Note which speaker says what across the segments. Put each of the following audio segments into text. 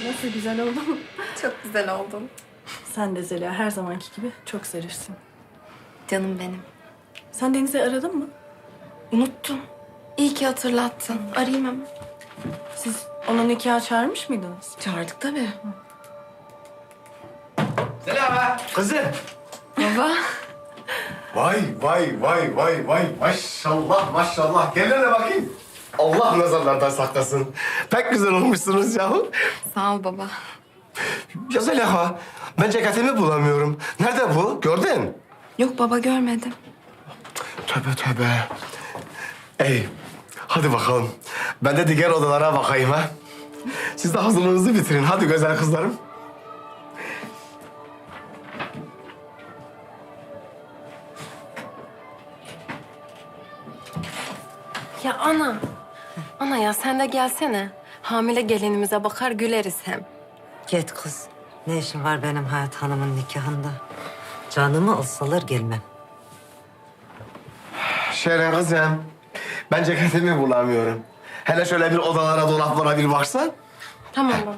Speaker 1: Nasıl güzel oldum.
Speaker 2: Çok güzel oldun.
Speaker 1: Sen de Zeliha her zamanki gibi çok zarifsin.
Speaker 2: Canım benim.
Speaker 1: Sen Deniz'i aradın mı?
Speaker 2: Unuttum. İyi ki hatırlattın. Arayayım hemen.
Speaker 1: Siz onu nikaha çağırmış mıydınız?
Speaker 2: Çağırdık tabii.
Speaker 3: Selam kızım.
Speaker 2: Baba.
Speaker 3: Vay. Maşallah maşallah. Gel hele bakayım. Allah nazarlardan saklasın. Pek güzel olmuşsunuz yahu.
Speaker 2: Sağ ol baba.
Speaker 3: Ya Zeliha, ben ceketimi bulamıyorum. Nerede bu? Gördün?
Speaker 2: Yok baba görmedim.
Speaker 3: Tövbe. Ey, hadi bakalım. Ben de diğer odalara bakayım ha. Siz de hazırlığınızı bitirin. Hadi güzel kızlarım.
Speaker 4: Ya ana. Ana ya sen de gelsene. Hamile gelinimize bakar güleriz hem.
Speaker 5: Git kız. Ne işin var benim Hayat Hanım'ın nikahında? Canımı alsalar gelmem.
Speaker 3: Şeren kızım, ben ceketimi bulamıyorum. Hele şöyle bir odalara, dolaplara bir baksan.
Speaker 4: Tamam baba.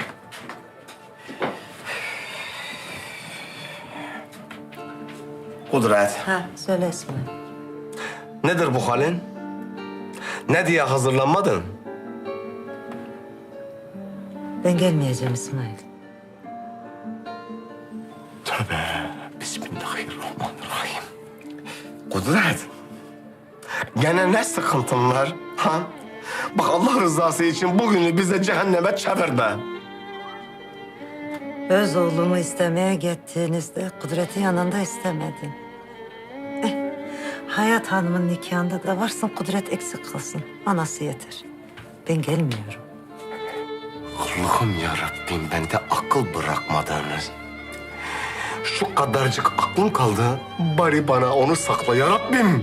Speaker 3: Kudret,
Speaker 5: Ha söyle İsmail.
Speaker 3: nedir bu halin? Ne diye hazırlanmadın?
Speaker 5: Ben gelmeyeceğim İsmail.
Speaker 3: Tövbe, bismillahirrahmanirrahim. Kudret, gene ne sıkıntın var? Ha? Bak Allah rızası için bugünü bize cehenneme çevirme.
Speaker 5: Öz oğlumu istemeye gittiğinizde Kudret'in yanında istemedim. Hayat Hanım'ın nikahında da varsın Kudret eksik kalsın. Anası yeter. Ben gelmiyorum.
Speaker 3: Allah'ım yarabbim bende akıl bırakmadınız. Şu kadarcık aklım kaldı. Bari bana onu sakla yarabbim.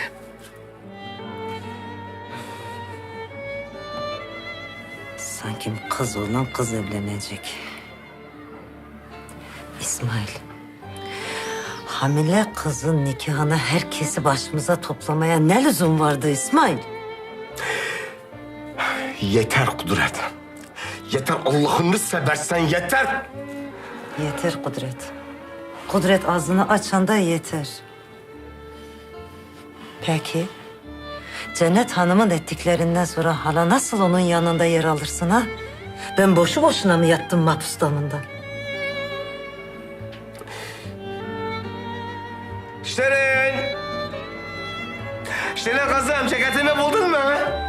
Speaker 5: Sanki kız olan kız evlenecek. İsmail. Hamile kızın nikahına herkesi başımıza toplamaya ne lüzum vardı İsmail?
Speaker 3: Yeter Kudret. Yeter Allah'ını seversen yeter.
Speaker 5: Yeter Kudret. Kudret ağzını açanda yeter. Peki, Cennet Hanım'ın ettiklerinden sonra hala nasıl onun yanında yer alırsın ha? Ben boşu boşuna mı yattım mahpus damında?
Speaker 3: Şirin. Şirin kızım ceketimi buldun mu?